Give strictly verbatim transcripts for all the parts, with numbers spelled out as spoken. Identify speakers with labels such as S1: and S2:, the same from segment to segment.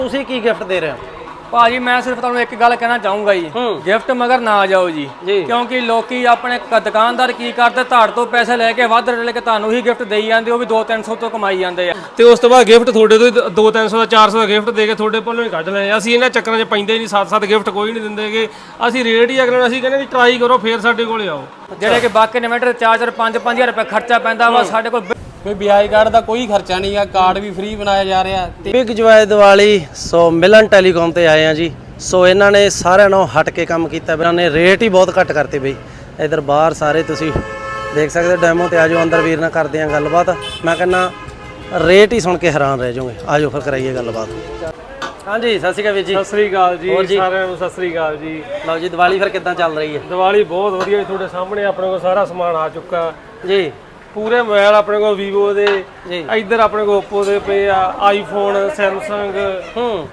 S1: ਤੁਸੀਂ ਕੀ ਗਿਫਟ ਦੇ ਰਹੇ ਹੋ?
S2: ਭਾਜੀ ਮੈਂ ਸਿਰਫ ਤੁਹਾਨੂੰ ਇੱਕ ਗੱਲ ਕਹਿਣਾ ਚਾਹੂੰਗਾ ਜੀ, ਗਿਫਟ ਮਗਰ ਨਾ ਜਾਓ ਜੀ, ਕਿਉਂਕਿ ਲੋਕੀ ਆਪਣੇ ਦੁਕਾਨਦਾਰ ਕੀ ਕਰਦੇ, ਧਾੜ ਤੋਂ ਪੈਸੇ ਲੈ ਕੇ ਵੱਧ ਲੈ ਕੇ ਤੁਹਾਨੂੰ ਹੀ ਗਿਫਟ ਦੇਈ ਜਾਂਦੇ, ਉਹ ਵੀ ਦੋ ਤਿੰਨ ਸੌ ਤੋਂ ਕਮਾਈ ਜਾਂਦੇ ਆ,
S3: ਤੇ ਉਸ ਤੋਂ ਬਾਅਦ ਗਿਫਟ ਤੁਹਾਡੇ ਤੋਂ ਦੋ ਤਿੰਨ ਸੌ ਦਾ ਚਾਰ ਸੌ ਦਾ ਗਿਫਟ ਦੇ ਕੇ ਤੁਹਾਡੇ ਕੋਲੋਂ ਹੀ ਕੱਢ ਲੈਣੇ। ਅਸੀਂ ਇਹਨਾਂ ਚੱਕਰਾਂ 'ਚ ਪੈਂਦੇ ਨਹੀਂ, ਸੱਤ ਸੱਤ ਗਿਫਟ ਕੋਈ ਨਹੀਂ ਦਿੰਦੇਗੇ। ਅਸੀਂ ਰੇਟ ਹੀ ਅਗਰ ਅਸੀਂ ਕਹਿੰਦੇ ਵੀ ਟਰਾਈ ਕਰੋ ਫੇਰ ਸਾਡੇ ਕੋਲ ਆਓ।
S2: ਜਿਹੜੇ ਕਿ ਬਾਕੀ ਇਨਵੈਂਟਰ ਚਾਰ ਚਾਰ ਪੰਜ ਪੰਜ ਹਜ਼ਾਰ ਰੁਪਏ ਖਰਚਾ ਪੈਂਦਾ ਵਾ, ਸਾਡੇ ਕੋਲ
S4: ਕੋਈ ਵਿਆਜ ਕਾਰਡ ਦਾ ਕੋਈ ਖਰਚਾ ਨਹੀਂ ਆ, ਕਾਰਡ ਵੀ ਫ੍ਰੀ ਬਣਾਇਆ ਜਾ ਰਿਹਾ।
S1: ਬਿਗ ਜੋਏ ਦੀਵਾਲੀ ਸੋ ਮਿਲਨ ਟੈਲੀਕਾਮ ਤੇ ਆਏ ਆ ਜੀ। ਸੋ ਇਹਨਾਂ ਨੇ ਸਾਰਿਆਂ ਨੂੰ ਹਟ ਕੇ ਕੰਮ ਕੀਤਾ, ਇਹਨਾਂ ਨੇ ਰੇਟ ਹੀ ਬਹੁਤ ਘੱਟ ਕਰਤੇ ਬਈ। ਇਧਰ ਬਾਹਰ ਸਾਰੇ ਤੁਸੀਂ ਦੇਖ ਸਕਦੇ ਹੋ ਡੈਮੋ ਤੇ ਆਜੋ, ਅੰਦਰ ਵੀਰ ਨਾਲ ਕਰਦੇ ਆ ਗੱਲਬਾਤ। ਮੈਂ ਕਹਿੰਦਾ ਰੇਟ ਹੀ ਸੁਣ ਕੇ ਹੈਰਾਨ ਰਹਿ ਜਾਓਗੇ। ਆਜੋ ਫਿਰ ਕਰਾਈਏ ਗੱਲਬਾਤ। ਹਾਂਜੀ ਸਤਿ ਸ਼੍ਰੀ ਅਕਾਲ ਵੀਰ ਜੀ।
S3: ਸਤਿ ਸ੍ਰੀ ਅਕਾਲ ਜੀ ਸਾਰਿਆਂ ਨੂੰ, ਸਤਿ ਸ੍ਰੀ ਅਕਾਲ ਜੀ।
S1: ਲਓ ਜੀ ਦੀਵਾਲੀ ਫਿਰ ਕਿੱਦਾਂ ਚੱਲ ਰਹੀ ਹੈ?
S3: ਦੀਵਾਲੀ ਬਹੁਤ ਵਧੀਆ ਜੀ, ਤੁਹਾਡੇ ਸਾਹਮਣੇ ਆਪਣੇ ਕੋਲ ਸਾਰਾ ਸਮਾਨ ਆ ਚੁੱਕਾ
S1: ਜੀ।
S3: ਪੂਰੇ ਮੋਬਾਈਲ ਆਪਣੇ ਕੋਲ ਵੀਵੋ ਦੇ, ਇੱਧਰ ਆਪਣੇ ਕੋਲ ਓਪੋ ਦੇ ਪਏ ਆ, ਆਈਫੋਨ, ਸੈਮਸੰਗ,
S1: ਹੂੰ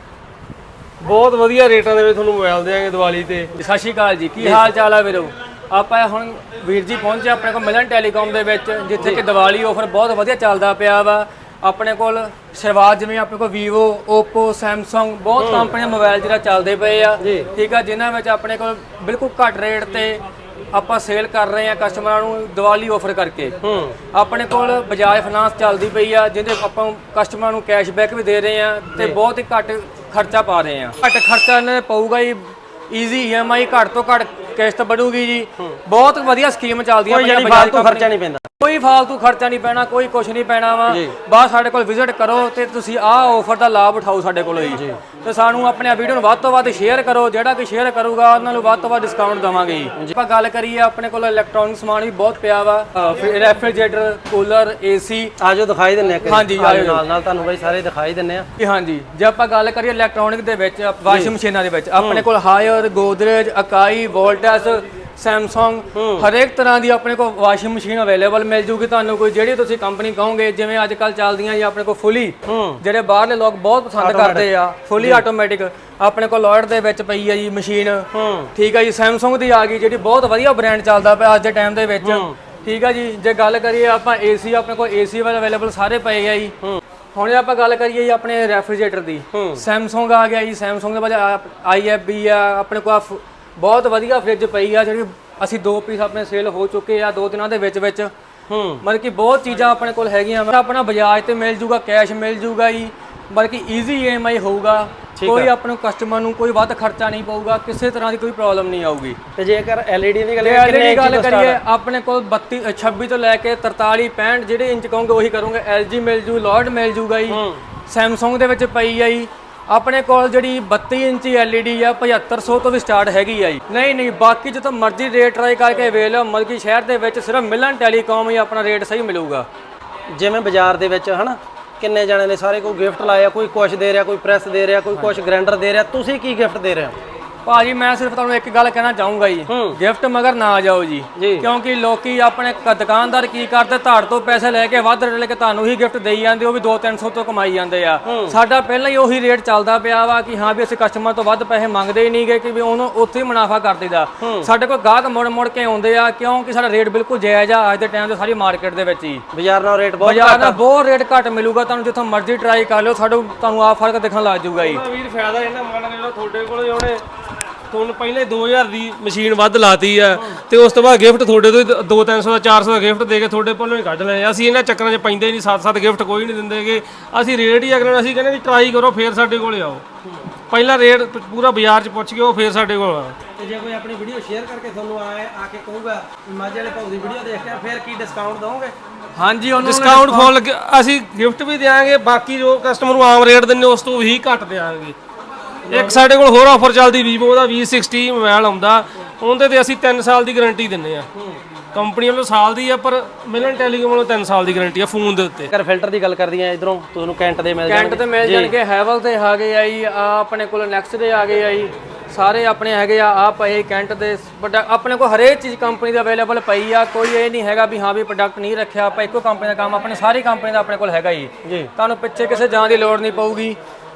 S3: ਬਹੁਤ ਵਧੀਆ ਰੇਟਾਂ ਦੇ ਵਿੱਚ ਤੁਹਾਨੂੰ ਮੋਬਾਈਲ ਦੇਵਾਂਗੇ ਦੀਵਾਲੀ ਤੇ।
S2: ਸਤਿ ਸ਼੍ਰੀ ਅਕਾਲ ਜੀ, ਕੀ ਹਾਲ ਚਾਲ ਆ ਵੀਰੋ? ਆਪਾਂ ਹੁਣ ਵੀਰ ਜੀ ਪਹੁੰਚੇ ਆਪਣੇ ਕੋਲ ਮਿਲਨ ਟੈਲੀਕਾਮ ਦੇ ਵਿੱਚ, ਜਿੱਥੇ ਕਿ ਦੀਵਾਲੀ ਆਫਰ ਬਹੁਤ ਵਧੀਆ ਚੱਲਦਾ ਪਿਆ ਵਾ। ਆਪਣੇ ਕੋਲ ਸ਼ੁਰੂਆਤ ਜਿਵੇਂ ਆਪਣੇ ਕੋਲ ਵੀਵੋ, ਓਪੋ, ਸੈਮਸੰਗ ਬਹੁਤ ਕੰਪਨੀਆਂ ਮੋਬਾਈਲ ਜਿਹੜਾ ਚੱਲਦੇ ਪਏ ਆ, ਠੀਕ ਆ, ਜਿਨ੍ਹਾਂ ਵਿੱਚ ਆਪਣੇ ਕੋਲ ਬਿਲਕੁਲ ਘੱਟ ਰੇਟ ਤੇ ਆਪਾਂ ਸੇਲ ਕਰ ਰਹੇ ਆ ਕਸਟਮਰਾਂ ਨੂੰ ਦੀਵਾਲੀ ਆਫਰ ਕਰਕੇ। ਆਪਣੇ ਕੋਲ ਬਜਾਜ ਫਾਈਨਾਂਸ ਚੱਲਦੀ ਪਈ ਆ, ਜਿਹਦੇ ਆਪਾਂ ਕਸਟਮਰਾਂ ਨੂੰ ਕੈਸ਼ਬੈਕ ਵੀ ਦੇ ਰਹੇ ਆ ਤੇ ਬਹੁਤ ਹੀ ਘੱਟ ਖਰਚਾ ਪਾ ਰਹੇ ਆ। ਘੱਟ ਖਰਚਾ ਇਹਨਾਂ ਪਊਗਾ ਜੀ, ਈਜ਼ੀ ਈ ਐਮ ਆਈ ਘੱਟ ਤੋਂ ਘੱਟ ਕਿਸ਼ਤ ਬਣੂਗੀ ਜੀ। ਬਹੁਤ ਵਧੀਆ ਸਕੀਮ ਚੱਲਦੀਆਂ
S1: ਪਈਆਂ, ਬਜਾਜ ਤੋਂ ਖਰਚਾ ਨਹੀਂ ਪੈਂਦਾ,
S2: ਕੋਈ ਫਾਲਤੂ ਖਰਚਾ ਨਹੀਂ ਪੈਣਾ, ਕੋਈ ਕੁਝ ਨਹੀਂ ਪੈਣਾ ਵਾ। ਬਸ ਸਾਡੇ ਕੋਲ ਵਿਜ਼ਿਟ ਕਰੋ ਤੇ ਤੁਸੀਂ ਆਹ ਆਫਰ ਦਾ ਲਾਭ ਉਠਾਓ ਸਾਡੇ ਕੋਲੋਂ ਜੀ। ਤੇ ਸਾਨੂੰ ਆਪਣੇ ਵੀਡੀਓ ਨੂੰ ਵੱਧ ਤੋਂ ਵੱਧ ਸ਼ੇਅਰ ਕਰੋ, ਜਿਹੜਾ ਕਿ ਸ਼ੇਅਰ ਕਰੂਗਾ ਉਹਨਾਂ ਨੂੰ ਵੱਧ ਤੋਂ ਵੱਧ ਡਿਸਕਾਊਂਟ ਦੇਵਾਂਗੇ ਜੀ। ਆਪਾਂ ਗੱਲ ਕਰੀਏ ਆਪਣੇ ਕੋਲ ਇਲੈਕਟ੍ਰੋਨਿਕ ਸਮਾਨ ਵੀ ਬਹੁਤ ਪਿਆ ਵਾ, ਰੈਫ੍ਰਿਜਰੇਟਰ, ਕੂਲਰ, ਏਸੀ।
S1: ਆਜੋ ਦਿਖਾਈ ਦਿੰਨੇ ਆ।
S2: ਹਾਂਜੀ
S1: ਨਾਲ ਨਾਲ ਤੁਹਾਨੂੰ ਬਈ ਸਾਰੇ ਦਿਖਾਈ ਦਿੰਨੇ ਆ।
S2: ਹਾਂਜੀ ਜੇ ਆਪਾਂ ਗੱਲ ਕਰੀਏ ਇਲੈਕਟ੍ਰੋਨਿਕ ਦੇ ਵਿੱਚ, ਵਾਸ਼ਿੰਗ ਮਸ਼ੀਨਾਂ ਦੇ ਵਿੱਚ ਆਪਣੇ ਕੋਲ Haier, Godrej, Akai, Voltas, Samsung, ਹਰੇਕ ਤਰ੍ਹਾਂ ਦੀ ਆਪਣੇ ਕੋਲ ਵਾਸ਼ਿੰਗ ਮਸ਼ੀਨ ਅਵੇਲੇਬਲ ਮਿਲ ਜੂਗੀ ਤੁਹਾਨੂੰ। ਕੋਈ ਜਿਹੜੀ ਤੁਸੀਂ ਕੰਪਨੀ ਕਹੋਗੇ, ਜਿਵੇਂ ਅੱਜ ਕੱਲ ਚੱਲਦੀਆਂ ਜੀ ਆਪਣੇ ਕੋਲ ਫੁੱਲੀ, ਜਿਹੜੇ ਬਾਹਰਲੇ ਲੋਕ ਬਹੁਤ ਪਸੰਦ ਕਰਦੇ ਆ, ਫੁੱਲੀ ਆਟੋਮੈਟਿਕ ਆਪਣੇ ਕੋਲ ਲੋਇਡ ਦੇ ਵਿੱਚ ਪਈ ਆ ਜੀ ਮਸ਼ੀਨ, ਠੀਕ ਆ ਜੀ। ਸੈਮਸੰਗ ਦੀ ਆ ਗਈ, ਜਿਹੜੀ ਬਹੁਤ ਵਧੀਆ ਬ੍ਰਾਂਡ ਚੱਲਦਾ ਪਿਆ ਅੱਜ ਦੇ ਟਾਈਮ ਦੇ ਵਿੱਚ, ਠੀਕ ਆ ਜੀ। ਜੇ ਗੱਲ ਕਰੀਏ ਆਪਾਂ ਏਸੀ, ਆਪਣੇ ਕੋਲ ਏਸੀ ਵਾਲੇ ਅਵੇਲੇਬਲ ਸਾਰੇ ਪਏ ਆ ਜੀ। ਹੁਣ ਜੇ ਆਪਾਂ ਗੱਲ ਕਰੀਏ ਜੀ ਆਪਣੇ ਰੈਫ੍ਰਿਜਰੇਟਰ ਦੀ, ਸੈਮਸੰਗ ਆ ਗਿਆ ਜੀ। ਸੈਮਸੰਗ ਦੇ ਬਾਅਦ ਆਈ ਐਫ ਬੀ ਆ, ਆਪਣੇ ਕੋਲ ਬਹੁਤ ਵਧੀਆ ਫ੍ਰਿਜ ਪਈ ਆ, ਜਿਹੜੀ ਅਸੀਂ ਦੋ ਪੀਸ ਆਪਣੇ ਸੇਲ ਹੋ ਚੁੱਕੇ ਆ ਦੋ ਦਿਨਾਂ ਦੇ ਵਿੱਚ ਵਿੱਚ। ਮਤਲਬ ਕਿ ਬਹੁਤ ਚੀਜ਼ਾਂ ਆਪਣੇ ਕੋਲ ਹੈਗੀਆਂ। ਆਪਣਾ ਬਜਾਜ ਤੇ ਮਿਲ ਜੂਗਾ, ਕੈਸ਼ ਮਿਲ ਜੂਗਾ ਜੀ, ਬਲਕਿ ਈਜ਼ੀ ਈ ਐਮ ਆਈ ਹੋਊਗਾ। ਕੋਈ ਆਪਣੇ ਕਸਟਮਰ ਨੂੰ ਕੋਈ ਵੱਧ ਖਰਚਾ ਨਹੀਂ ਪਊਗਾ, ਕਿਸੇ ਤਰ੍ਹਾਂ ਦੀ ਕੋਈ ਪ੍ਰੋਬਲਮ ਨਹੀਂ ਆਊਗੀ।
S1: ਤੇ ਜੇਕਰ ਐਲ ਈ ਡੀ ਦੀ ਗੱਲ
S2: ਕਰੀਏ ਗੱਲ ਕਰੀਏ ਆਪਣੇ ਕੋਲ ਬੱਤੀ ਛੱਬੀ ਤੋਂ ਲੈ ਕੇ ਤਰਤਾਲੀ ਪੈਂਹਠ ਜਿਹੜੇ ਇੰਚ ਕਹੋਗੇ ਉਹੀ ਕਰੂੰਗੇ। ਐਲ ਜੀ ਮਿਲ ਜੂ, ਲੋਇਡ ਮਿਲ ਜੂਗਾ ਜੀ। ਸੈਮਸੰਗ ਦੇ ਵਿੱਚ ਪਈ ਆ ਜੀ ਆਪਣੇ ਕੋਲ ਜਿਹੜੀ ਬੱਤੀ ਇੰਚੀ ਐਲ ਈ ਡੀ ਆ, ਪਝੱਤਰ ਸੌ ਤੋਂ ਵੀ ਸਟਾਰਟ ਹੈਗੀ ਆ ਜੀ। ਨਹੀਂ ਨਹੀਂ ਬਾਕੀ ਜਿੱਥੋਂ ਮਰਜ਼ੀ ਰੇਟ ਟਰਾਈ ਕਰਕੇ ਵੇਖ ਲਓ, ਮਤਲਬ ਕਿ ਸ਼ਹਿਰ ਦੇ ਵਿੱਚ ਸਿਰਫ ਮਿਲਨ ਟੈਲੀਕਾਮ ਹੀ ਆਪਣਾ ਰੇਟ ਸਹੀ ਮਿਲੂਗਾ।
S1: ਜਿਵੇਂ ਬਾਜ਼ਾਰ ਦੇ ਵਿੱਚ ਹਨਾ ਕਿੰਨੇ ਜਣੇ ਨੇ ਸਾਰੇ ਕੋਈ ਗਿਫਟ ਲਾਇਆ, ਕੋਈ ਕੁਛ ਦੇ ਰਿਹਾ, ਕੋਈ ਪ੍ਰੈਸ ਦੇ ਰਿਹਾ, ਕੋਈ ਕੁਛ ਗ੍ਰਾਈਂਡਰ ਦੇ ਰਿਹਾ। ਤੁਸੀਂ ਕੀ ਗਿਫਟ ਦੇ ਰਹੇ ਹੋ?
S2: ਭਾਜੀ ਮੈਂ ਸਿਰਫ ਤੁਹਾਨੂੰ ਇੱਕ ਗੱਲ ਕਹਿਣਾ ਚਾਹੂੰਗਾ ਜੀ, ਗਿਫਟ ਮਗਰ ਨਾ ਜਾਓ ਜੀ, ਕਿਉਂਕਿ ਲੋਕੀ ਆਪਣੇ ਦੁਕਾਨਦਾਰ ਕੀ ਕਰਦੇ, ਧਾੜ ਤੋਂ ਪੈਸੇ ਲੈ ਕੇ ਵੱਧ ਲੈ ਕੇ ਤੁਹਾਨੂੰ ਹੀ ਗਿਫਟ ਦੇਈ ਜਾਂਦੇ, ਉਹ ਵੀ ਦੋ ਤਿੰਨ ਸੌ ਤੋਂ ਕਮਾਈ ਜਾਂਦੇ ਆ। ਸਾਡਾ ਪਹਿਲਾਂ ਹੀ ਉਹੀ ਰੇਟ ਚੱਲਦਾ ਪਿਆ ਵਾ ਕਿ ਹਾਂ ਵੀ ਅਸੀਂ ਕਸਟਮਰ ਤੋਂ ਵੱਧ ਪੈਸੇ ਮੰਗਦੇ ਹੀ ਨਹੀਂਗੇ, ਕਿ ਵੀ ਉਹਨੂੰ ਉੱਥੇ ਹੀ ਮੁਨਾਫਾ ਕਰ ਦਈਦਾ। ਸਾਡੇ ਕੋਲ ਗਾਹਕ ਮੁੜ ਮੁੜ ਕੇ ਆਉਂਦੇ ਆ, ਕਿਉਂਕਿ ਸਾਡਾ ਰੇਟ ਬਿਲਕੁਲ ਜਾਇਜ਼ ਆ ਅੱਜ ਦੇ ਟਾਈਮ ਤੇ ਸਾਰੀ ਮਾਰਕੀਟ ਦੇ ਵਿੱਚ ਹੀ।
S1: ਬਾਜ਼ਾਰ ਨਾਲ ਰੇਟ ਬਹੁਤ
S2: ਬਾਜ਼ਾਰ ਨਾਲ ਬਹੁਤ ਰੇਟ ਘੱਟ ਮਿਲੂਗਾ ਤੁਹਾਨੂੰ, ਜਿੱਥੋਂ ਮਰਜ਼ੀ ਟਰਾਈ ਕਰ ਲਿਓ, ਸਾਡੇ ਤੁਹਾਨੂੰ ਆਹ ਫਰਕ ਦਿਖਣ ਲੱਗ ਜਾਊਗਾ ਜੀ।
S3: ਵੀਰ ਫਾਇਦਾ ਇਹਨਾਂ ਮੰਨ ਜਿਹੜਾ ਤੁਹਾਡੇ ਕੋਲ ਉਹਨੇ ਤੁਹਾਨੂੰ ਪਹਿਲੇ ਦੋ ਹਜ਼ਾਰ ਦੀ ਮਸ਼ੀਨ ਵੱਧ ਲਾਤੀ ਆ, ਤੇ ਉਸ ਤੋਂ ਬਾਅਦ ਗਿਫਟ ਤੁਹਾਡੇ ਤੋਂ ਦੋ ਤਿੰਨ ਸੌ ਦਾ ਚਾਰ ਸੌ ਦਾ ਗਿਫਟ ਦੇ ਕੇ ਤੁਹਾਡੇ ਕੋਲੋਂ ਹੀ ਕੱਢ ਲੈਣੇ। ਅਸੀਂ ਇਹਨਾਂ ਚੱਕਰਾਂ 'ਚ ਪੈਂਦੇ ਨਹੀਂ, ਸੱਤ ਸੱਤ ਗਿਫਟ ਕੋਈ ਨਹੀਂ ਦਿੰਦੇਗੇ। ਅਸੀਂ ਰੇਟ ਹੀ ਅਗਰ ਅਸੀਂ ਕਹਿੰਦੇ ਵੀ ਟਰਾਈ ਕਰੋ ਫੇਰ ਸਾਡੇ ਕੋਲ ਆਓ। ਪਹਿਲਾਂ ਰੇਟ ਪੂਰਾ ਬਾਜ਼ਾਰ 'ਚ ਪੁੱਛ ਕੇ ਉਹ ਫੇਰ ਸਾਡੇ ਕੋਲ ਆਓ।
S1: ਤੇ ਜੇ ਕੋਈ ਆਪਣੀ ਵੀਡੀਓ ਸ਼ੇਅਰ ਕਰਕੇ ਤੁਹਾਨੂੰ ਆਏ ਆ ਕੇ ਕਹੂਗਾ ਮਾਝੇ ਵਾਲੇ ਭਾਊ ਦੀ ਵੀਡੀਓ ਦੇਖ ਕੇ, ਫਿਰ ਕੀ ਡਿਸਕਾਊਂਟ ਦਵੋਗੇ?
S2: ਹਾਂਜੀ ਉਹਨੂੰ
S3: ਡਿਸਕਾਊਂਟ ਫੁੱਲ ਅਸੀਂ ਗਿਫਟ ਵੀ ਦਿਆਂਗੇ, ਬਾਕੀ ਜੋ ਕਸਟਮਰ ਨੂੰ ਆਮ ਰੇਟ ਦਿੰਦੇ ਉਸ ਤੋਂ ਵੀ ਘੱਟ ਦਿਆਂਗੇ। ਇੱਕ ਸਾਡੇ ਕੋਲ ਹੋਰ ਆਫਰ ਚੱਲਦੀ ਵੀਵੋ ਦਾ ਵੀ ਸਿਕਸਟੀ ਮੋਬਾਈਲ ਆਉਂਦਾ, ਉਹਦੇ ਤੇ ਅਸੀਂ ਤਿੰਨ ਸਾਲ ਦੀ ਗਾਰੰਟੀ ਦਿੰਨੇ ਆ। ਕੰਪਨੀ ਵੱਲੋਂ ਸਾਲ ਦੀ ਆ, ਪਰ ਮਿਲਨ ਟੈਲੀਕਾਮ ਵੱਲੋਂ ਤਿੰਨ ਸਾਲ ਦੀ ਗਾਰੰਟੀ ਆ ਫੋਨ ਦੇ ਉੱਤੇ।
S1: ਅਗਰ ਫਿਲਟਰ ਦੀ ਗੱਲ ਕਰਦੀ ਆ, ਇਧਰੋਂ ਤੁਹਾਨੂੰ ਕੈਂਟ ਦੇ ਮਿਲ
S2: ਕੈਂਟ ਤੇ ਮਿਲ ਜਾਣਗੇ, ਹੈਵਲ ਤੇ ਆ ਗਏ ਆ ਜੀ, ਆ ਆਪਣੇ ਕੋਲ ਨੈਕਸਟ ਦੇ ਆ ਗਏ ਆ ਜੀ, ਸਾਰੇ ਆਪਣੇ ਹੈਗੇ ਆ। ਆ ਪਏ ਕੈਂਟ ਦੇ ਪ੍ਰੋਡਕਟ ਆਪਣੇ ਕੋਲ ਹਰੇਕ ਚੀਜ਼ ਕੰਪਨੀ ਦੀ ਅਵੇਲੇਬਲ ਪਈ ਆ। ਕੋਈ ਇਹ ਨਹੀਂ ਹੈਗਾ ਵੀ ਹਾਂ ਵੀ ਪ੍ਰੋਡਕਟ ਨਹੀਂ ਰੱਖਿਆ ਆਪਾਂ, ਇੱਕੋ ਕੰਪਨੀ ਦਾ ਕੰਮ ਆਪਣੇ ਸਾਰੀ ਕੰਪਨੀ ਦਾ ਆਪਣੇ ਕੋਲ ਹੈਗਾ ਜੀ। ਤੁਹਾਨੂੰ ਪਿੱਛੇ ਕਿਸੇ ਜਾਣ ਦੀ ਲੋੜ ਨਹੀਂ ਪਊਗੀ।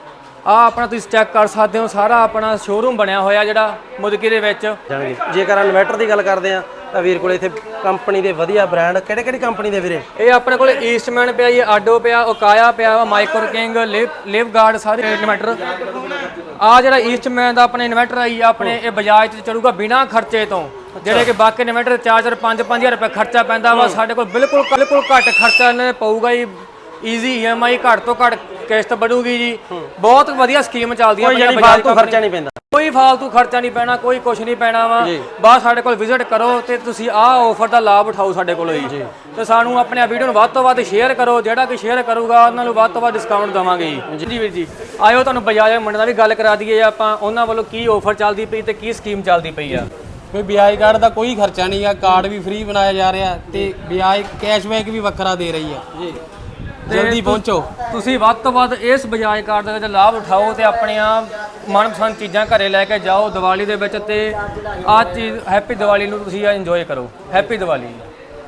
S2: ਆ ਆਪਣਾ ਤੁਸੀਂ ਚੈੱਕ ਕਰ ਸਕਦੇ ਹੋ, ਸਾਰਾ ਆਪਣਾ ਸ਼ੋਰੂਮ ਬਣਿਆ ਹੋਇਆ ਜਿਹੜਾ ਮੁਦਕੀ ਦੇ ਵਿੱਚ।
S1: ਜੇਕਰ ਇਨਵਰਟਰ ਦੀ ਗੱਲ ਕਰਦੇ ਆ ਤਾਂ ਵੀਰ ਕੋਲ ਇੱਥੇ ਕੰਪਨੀ ਦੇ ਵਧੀਆ ਬ੍ਰਾਂਡ ਕਿਹੜੇ ਕਿਹੜੀ ਕੰਪਨੀ ਦੇ ਵੀਰੇ?
S2: ਇਹ ਆਪਣੇ ਕੋਲ ਈਸਟਮੈਨ ਪਿਆ ਜੀ, ਆਡੋ ਪਿਆ, ਓਕਾਇਆ ਪਿਆ ਵਾ, micro king, liv Livguard, ਸਾਰੇ ਇਨਵਰਟਰ। ਆ ਜਿਹੜਾ ਈਸਟਮੈਨ ਦਾ ਆਪਣੇ ਇਨਵਰਟਰ ਆਈ ਆਪਣੇ ਇਹ ਬਜਾਜ ਤੇ ਚੱਲੂਗਾ ਬਿਨਾ ਖਰਚੇ ਤੋਂ, ਜਿਹੜੇ ਕਿ ਬਾਕੀ ਇਨਵਰਟਰ ਚਾਰ ਚਾਰ ਪੰਜ ਪੰਜ ਹਜ਼ਾਰ ਰੁਪਏ ਖਰਚਾ ਪੈਂਦਾ ਵਾ, ਸਾਡੇ ਕੋਲ ਬਿਲਕੁਲ ਬਿਲਕੁਲ ਘੱਟ ਖਰਚਾ ਇਹਨਾਂ ਨੇ ਪਊਗਾ ਜੀ। ਈਜ਼ੀ ਈ ਐਮ ਆਈ, ਘੱਟ ਤੋਂ ਘੱਟ ਕਿਸ਼ਤ ਬਣੂਗੀ ਜੀ। ਬਹੁਤ ਵਧੀਆ ਸਕੀਮ ਚੱਲਦੀਆਂ
S1: ਕੋਈ ਯਾਨੀ ਫਾਲਤੂ ਖਰਚਾ ਨਹੀਂ ਪੈਂਦਾ,
S2: ਕੋਈ ਫਾਲਤੂ ਖਰਚਾ ਨਹੀਂ ਪੈਣਾ, ਕੋਈ ਕੁਝ ਨਹੀਂ ਪੈਣਾ ਵਾ। ਬਸ ਸਾਡੇ ਕੋਲ ਵਿਜ਼ਿਟ ਕਰੋ ਤੇ ਤੁਸੀਂ ਆਹ ਆਫਰ ਦਾ ਲਾਭ ਉਠਾਓ ਸਾਡੇ ਕੋਲੋਂ ਜੀ। ਤੇ ਸਾਨੂੰ ਆਪਣੇ ਵੀਡੀਓ ਨੂੰ ਵੱਧ ਤੋਂ ਵੱਧ ਸ਼ੇਅਰ ਕਰੋ, ਜਿਹੜਾ ਕਿ ਸ਼ੇਅਰ ਕਰੂਗਾ ਉਹਨਾਂ ਨੂੰ ਵੱਧ ਤੋਂ ਵੱਧ ਡਿਸਕਾਊਂਟ ਦੇਵਾਂਗੇ ਜੀ। ਜੀ ਵੀਰ ਜੀ, ਆਇਓ ਤੁਹਾਨੂੰ ਬਜਾਜ ਮੰਡੀ ਨਾਲ ਵੀ ਗੱਲ ਕਰਾ ਦਈਏ ਆਪਾਂ, ਉਹਨਾਂ ਵੱਲੋਂ ਕੀ ਆਫਰ ਚੱਲਦੀ ਪਈ ਤੇ ਕੀ ਸਕੀਮ ਚੱਲਦੀ ਪਈ ਆ।
S4: ਕੋਈ ਵਿਆਜ ਕਾਰਡ ਦਾ ਕੋਈ ਖਰਚਾ ਨਹੀਂ ਆ, ਕਾਰਡ ਵੀ ਫ੍ਰੀ ਬਣਾਇਆ ਜਾ ਰਿਹਾ ਤੇ ਵਿਆਜ ਕੈਸ਼ਬੈਕ ਵੀ ਵੱਖਰਾ ਦੇ ਰਹੀ ਆ ਜੀ। ਜਲਦੀ ਪਹੁੰਚੋ,
S2: ਤੁਸੀਂ ਵੱਧ ਤੋਂ ਵੱਧ ਇਸ ਬਜਾਜ ਕਾਰਡ ਦਾ ਲਾਭ ਉਠਾਓ ਤੇ ਆਪਣੀਆਂ ਮਨਪਸੰਦ ਚੀਜ਼ਾਂ ਘਰੇ ਲੈ ਕੇ ਜਾਓ ਦੀਵਾਲੀ ਦੇ ਵਿੱਚ। ਤੇ ਆਹ ਚੀਜ਼ ਹੈਪੀ ਦੀਵਾਲੀ ਨੂੰ ਤੁਸੀਂ ਇੰਜੋਏ ਕਰੋ। ਹੈਪੀ ਦੀਵਾਲੀ।